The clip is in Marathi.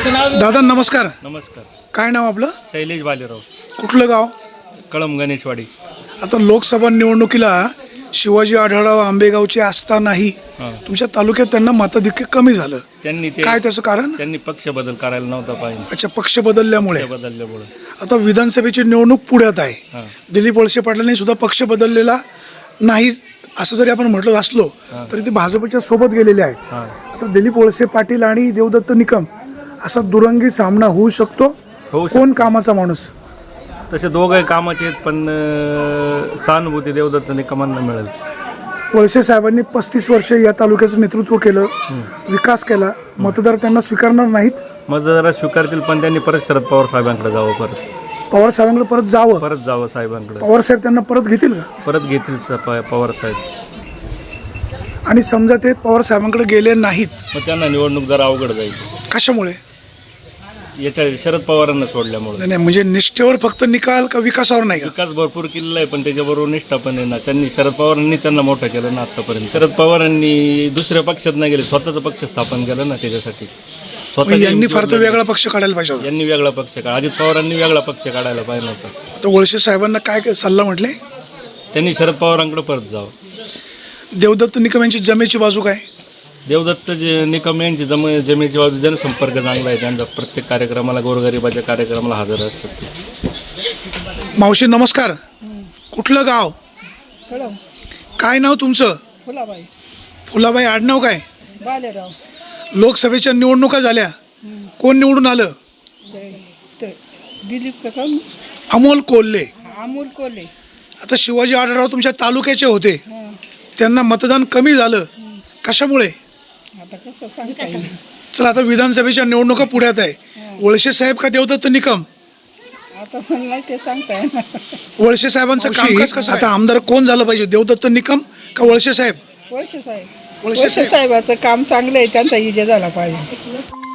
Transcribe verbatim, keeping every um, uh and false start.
दादा नमस्कार. नमस्कार. काय नाव आपलं? शैलेश बालेराव. कुठलं गाव? कळम गणेशवाडी. आता लोकसभा निवडणुकीला शिवाजी आढळराव आंबेगावचे असतानाही तुमच्या तालुक्यात त्यांना मताधिक्य कमी झालं. त्यांनी ते काय त्याचं कारण? त्यांनी पक्ष बदल करायला नव्हता पाहिजे. अच्छा, पक्ष बदलल्यामुळे. पक्ष बदलल्यामुळे आता विधानसभेची निवडणूक पुढ्यात आहे. दिलीप वळसे पाटलांनी सुद्धा पक्ष बदललेला नाही असं जरी आपण म्हटलं असलो तरी ते भाजपच्या सोबत गेलेले आहेत. आता दिलीप वळसे पाटील आणि देवदत्त निकम असा दुरंगी सामना होऊ शकतो. कोण कामाचा माणूस? तसे दोघे कामाचे आहेत, पण अं, सहानुभूती देवदत्त निकमांना मिळेल. वळसे साहेबांनी पस्तीस वर्ष या तालुक्याचं नेतृत्व केलं, विकास केला. मतदार त्यांना स्वीकारणार नाहीत. मतदार स्वीकारतील, पण त्यांनी परत शरद पवार साहेबांकडे जावं. परत पवार साहेबांकडे परत जावं परत जावं साहेबांकडे. पवार साहेब त्यांना परत घेतील का? परत घेतील स- प- पवार साहेब. आणि समजा ते पवार साहेबांकडे गेले नाहीत, मग त्यांना निवडणूक जरा अवघड जाईल. कशामुळे? याच्या शरद पवारांना सोडल्यामुळे. नाही नाही, म्हणजे निष्ठेवर फक्त निकाल का विकासावर नाही का? विकास भरपूर केलेला आहे, पण त्याच्याबरोबर निष्ठा पण आहे ना. त्यांनी शरद पवारांनी त्यांना मोठं केलं ना आतापर्यंत. शरद पवारांनी दुसऱ्या पक्षात नाही गेले, स्वतःचा पक्ष स्थापन केलं ना. त्याच्यासाठी मग यांनी फार तर वेगळा पक्ष काढायला पाहिजे होता. यांनी वेगळा पक्ष काढा. अजित पवारांनी वेगळा पक्ष काढायला पाहिजे होता. तर वळसे साहेबांना काय काय सल्ला म्हटले? त्यांनी शरद पवारांकडे परत जावं. देवदत्त निकम यांची जमेची बाजू काय? देवदत्त जे निकम यांची जम जमेची बाजू जनसंपर्क चांगला आहे त्यांचा. प्रत्येक कार्यक्रमाला, गोरगरिबाच्या कार्यक्रमाला हजर असतात ते. मावशी नमस्कार. कुठलं गाव? कळम. काय नाव तुमचं? फुलाबाई फुलाबाई. आडनाव काय? बालेराव. लोकसभेच्या निवडणुका झाल्या, कोण निवडून आलं? ते- ते दिलीप का कोण? अमोल कोल्हे. अमोल कोल्हे. आता शिवाजी आढळराव तुमच्या तालुक्याचे होते, हां. त्यांना मतदान कमी झालं, कशामुळे? आता कसं सांगता येईल? चला, आता विधानसभेच्या निवडणुका पुढ्यात आहे. वळसे साहेब का देवदत्त निकम? आता मला नाही ते सांगता येणार. वळसे साहेबांचं कामकाज कसं? आता आमदार कोण झालं पाहिजे, देवदत्त निकम का वळसे साहेब? वळसे साहेब. वळसे वळसे साहेबाचं काम चांगलं आहे, त्यांचा इजा झाला पाहिजे.